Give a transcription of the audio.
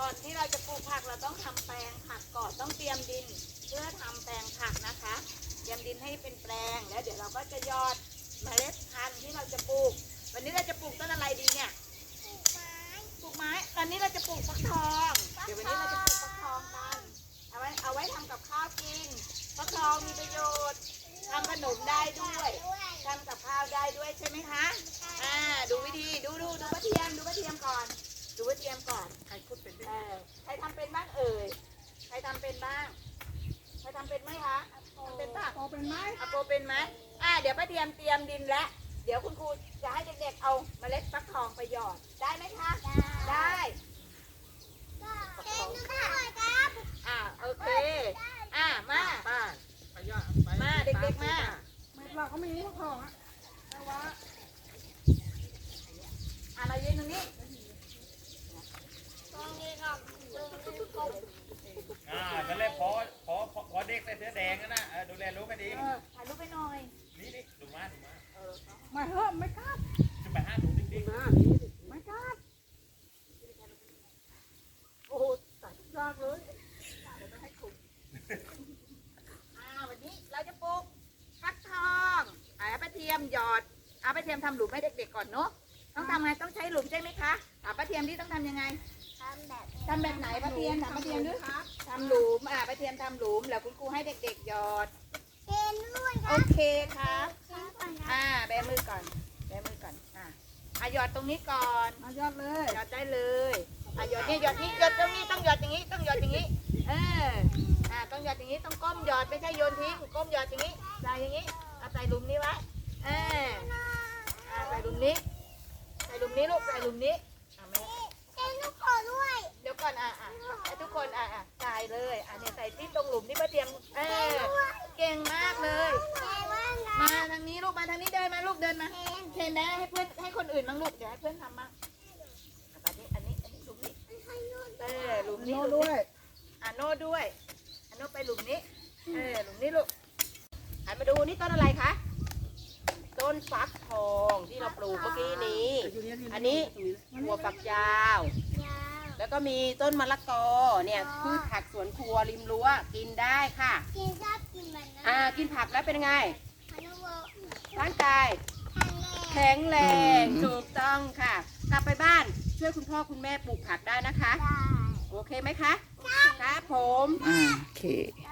อนที่เราจะปลูกผักเราต้องทำแปลงผักก่อนต้องเตรียมดินเพื่อทำแปลงผักนะคะเตรียมดินให้เป็นแปลงแล้วเดี๋ยวเราก็จะหยอดเมล็ดพันธุ์ที่เราจะปลูกวันนี้เราจะปลูกต้นอะไรดีเนี่ยปลูกไม้ตอนนี้เราจะปลูกฟักทองเดี๋ยววันนี้เราจะปลูกฟักทองกันเอาไว้ทำกับข้าวกินฟักทองมีประโยชน์ทำขนมได้ด้วยทำกับข้าวได้ด้วยใช่ไหมคะดูวิธีดูกระเทียมก่อนดูกระเทียมก่อนใครพูดเป็นใครทำเป็นบ้างเอ่ยใครทำเป็นบ้างใครทำเป็นไหมคะทำเป็นป่ะโปเป็นไหมโปเป็นไหมเดี๋ยวป้าเทียมเตรียมดินแล้วเดี๋ยวคุณครูจะให้เด็กๆเอาเมล็ดฟักทองไปหยอดได้ไหมคะได้โอเคมามาเด็กๆมาเราก็มีฟักทองแต่ว่าเรายืนตรงนี้นั่นแหละพอเด็กใส่เสื้อแดงนะดูแลรู้กันดีถ่ายรูปไปหน่อยนี่ดูมาไม่เหอะไม่กล้าจะไปห้าดูดิ๊กไม่กล้าโอ้โหใส่ยากเลยวันนี้เราจะปลูกฟักทองเอาป้าเทียมหยอดเอาป้าเทียมทำหลุมให้เด็กๆก่อนเนาะต้องทำไงต้องใช้หลุมใช่ไหมคะป้าเทียมที่ต้องทำยังไงทำแบบไหนป้าเทียมถามป้าเทียมด้วยทำหลุมป้าเทียมทำหลุมแล้วคุณครูให้เด็กๆหยอดโอเคครับแบมือก่อนหยอดตรงนี้ก่อนยอดเลยหยอดได้เลยหยอดนี่หยอดตรงนี้ต้องหยอดอย่างนี้ต้องหยอดอย่างนี้ต้องหยอดอย่างนี้ต้องก้มหยอดไม่ใช่โยนทิ้งก้มหยอดอย่างนี้ใส่อย่างนี้ใส่หลุมนี้ไว้ใส่หลุมนี้ลูกใส่หลุมนี้เดี๋ยวก่อนให้ทุกคนใส่เลยเนี่ยใส่ที่ตรงหลุมนี่ป้าเทียมเก่งมากเลยมาทางนี้ลูกมาทางนี้เดินมาลูกเดินมาเทนได้ให้เพื่อนให้คนอื่นบ้างลูกเดี๋ยวให้เพื่อนทำบ้างอันนี้หลุมนี้หลุมนี้โน่ด้วยโน่ด้วยโน่ไปหลุมนี้หลุมนี้ลูกหันมาดูนี่ต้นอะไรคะต้นฟักทองที่เราปลูกเมื่อกี้นี้อันนี้หัวฝักยาวแล้วก็มีต้นมะละกอเนี่ยพืชผักสวนครัวริมรั้วกินได้ค่ะกินผักแล้วเป็นไงร่างกายแข็งแรงถูกต้องค่ะกลับไปบ้านช่วยคุณพ่อคุณแม่ปลูกผักได้นะคะโอเคไหมคะครับผมโอเค